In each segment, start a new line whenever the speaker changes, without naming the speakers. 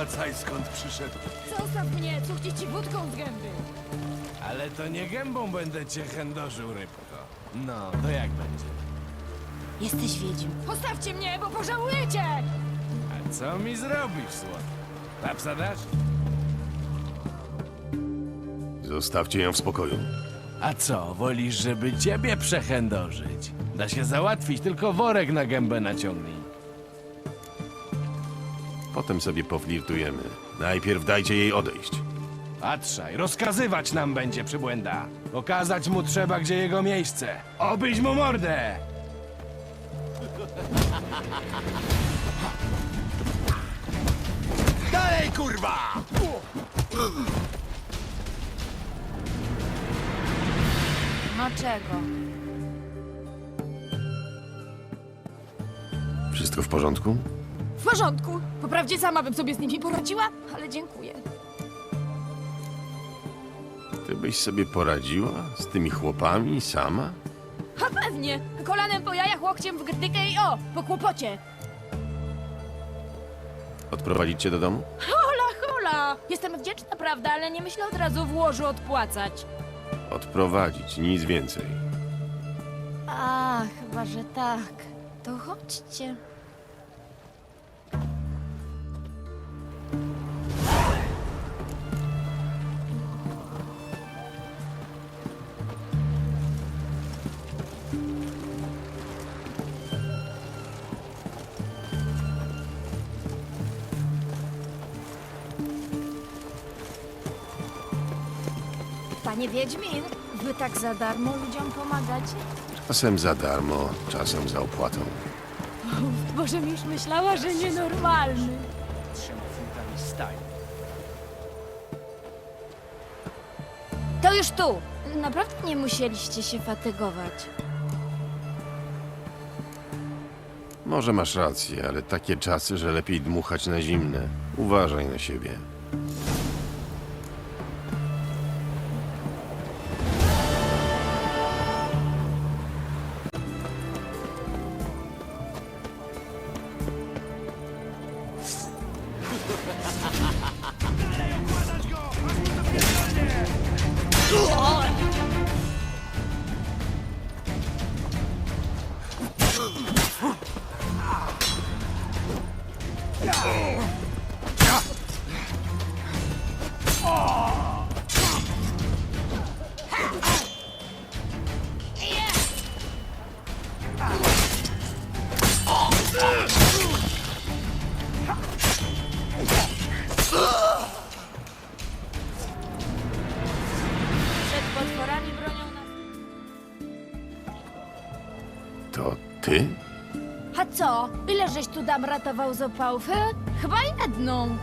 wracaj skąd przyszedł.
Zostaw mnie, cuchnie ci wódką z gęby.
Ale to nie gębą będę cię chędożył, rybko. No, to jak będzie?
Jesteś wiedźm. Postawcie mnie, bo pożałujecie!
A co mi zrobisz, słodko? Papsa dasz?
Zostawcie ją w spokoju.
A co, wolisz, żeby ciebie przechędożyć? Da się załatwić, tylko worek na gębę naciągnij.
Potem sobie poflirtujemy. Najpierw dajcie jej odejść.
Patrzaj, rozkazywać nam będzie przybłęda. Pokazać mu trzeba, gdzie jego miejsce. Obyć mu mordę! Dalej, kurwa!
No czego?
Wszystko w porządku?
W porządku. Poprawdzie sama bym sobie z nimi poradziła, ale dziękuję.
Ty byś sobie poradziła z tymi chłopami sama?
A pewnie. Kolanem po jajach, łokciem w grdykę i o, po kłopocie.
Odprowadzić cię do domu?
Hola, hola. Jestem wdzięczna, prawda, ale nie myślę od razu w łożu odpłacać.
Odprowadzić, nic więcej.
A, chyba, że tak. To chodźcie. Panie Wiedźmin, wy tak za darmo ludziom pomagacie?
Czasem za darmo, czasem za opłatą.
Bożem już myślała, że nienormalny.
3 funtami stali.
To już tu. Naprawdę nie musieliście się fatygować.
Może masz rację, ale takie czasy, że lepiej dmuchać na zimne. Uważaj na siebie.
Przed potworami bronią nas.
To ty?
A co? Ile żeś tu dam ratował z opałów? Chyba jedną.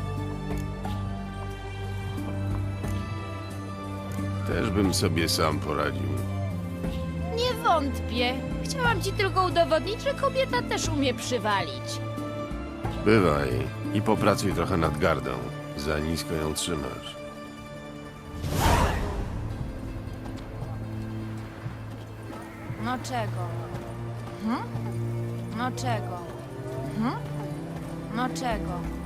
Też bym sobie sam poradził.
Nie wątpię. Chciałam ci tylko udowodnić, że kobieta też umie przywalić.
Bywaj i popracuj trochę nad gardą. Za nisko ją trzymasz.
No czego? No czego? No czego?